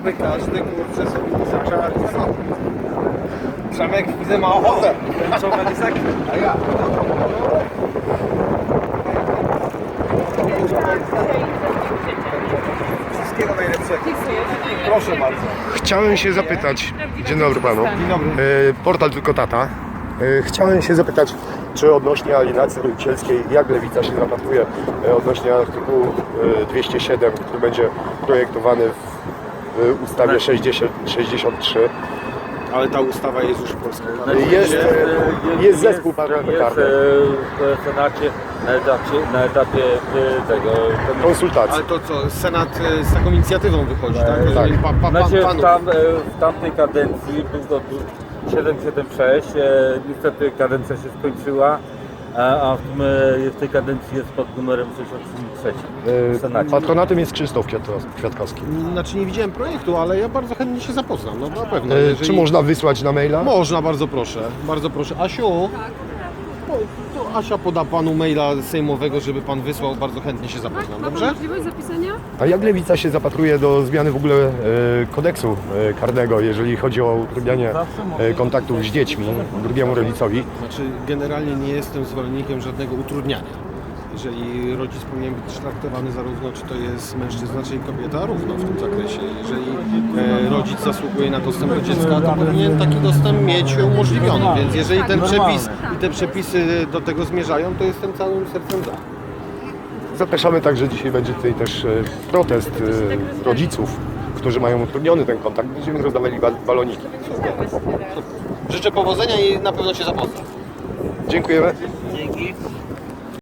jakby każdy kurczę sobie zaczęła. Przemek widzę ma ochotę. Ten czołg jest taki. A ja. Wszystkiego najlepszego. Proszę bardzo. Chciałem się zapytać, dzień dobry panu. Dzień dobry. Portal Tylko Tata. Chciałem się zapytać, czy odnośnie alienacji rodzicielskiej, jak Lewica się zapatruje odnośnie artykułu 207, który będzie projektowany w ustawie 63. Ale ta ustawa jest już w Polsce. Jest zespół parlamentarny. Jest w Senacie na etapie tego Konsultacji. Ale to co, Senat z taką inicjatywą wychodzi, tak? tak. Znaczy, Panów. w tamtej kadencji był to 776, niestety kadencja się skończyła, a w tej kadencji jest pod numerem 63 w Senacie. Patronatem jest Krzysztof Kwiatkowski. Znaczy nie widziałem projektu, ale ja bardzo chętnie się zapoznam, no na pewno. Czy można wysłać na maila? Można, bardzo proszę, bardzo proszę. Asiu, to Asia poda panu maila sejmowego, żeby pan wysłał, bardzo chętnie się zapoznam, Ma pan dobrze? możliwość zapisania? A jak Lewica się zapatruje do zmiany w ogóle kodeksu karnego, jeżeli chodzi o utrudnianie kontaktów z dziećmi drugiemu rodzicowi? Znaczy generalnie nie jestem zwolennikiem żadnego utrudniania. Jeżeli rodzic powinien być traktowany zarówno, czy to jest mężczyzna, czy kobieta, równo w tym zakresie. Jeżeli rodzic zasługuje na dostęp do dziecka, to powinien taki dostęp mieć umożliwiony. Więc jeżeli ten przepis i te przepisy do tego zmierzają, to jestem całym sercem za. Zapraszamy także, dzisiaj będzie tutaj też protest rodziców, którzy mają utrudniony ten kontakt. Będziemy rozdawali baloniki. Życzę powodzenia i na pewno się zapoznam. Dziękujemy. Dzięki.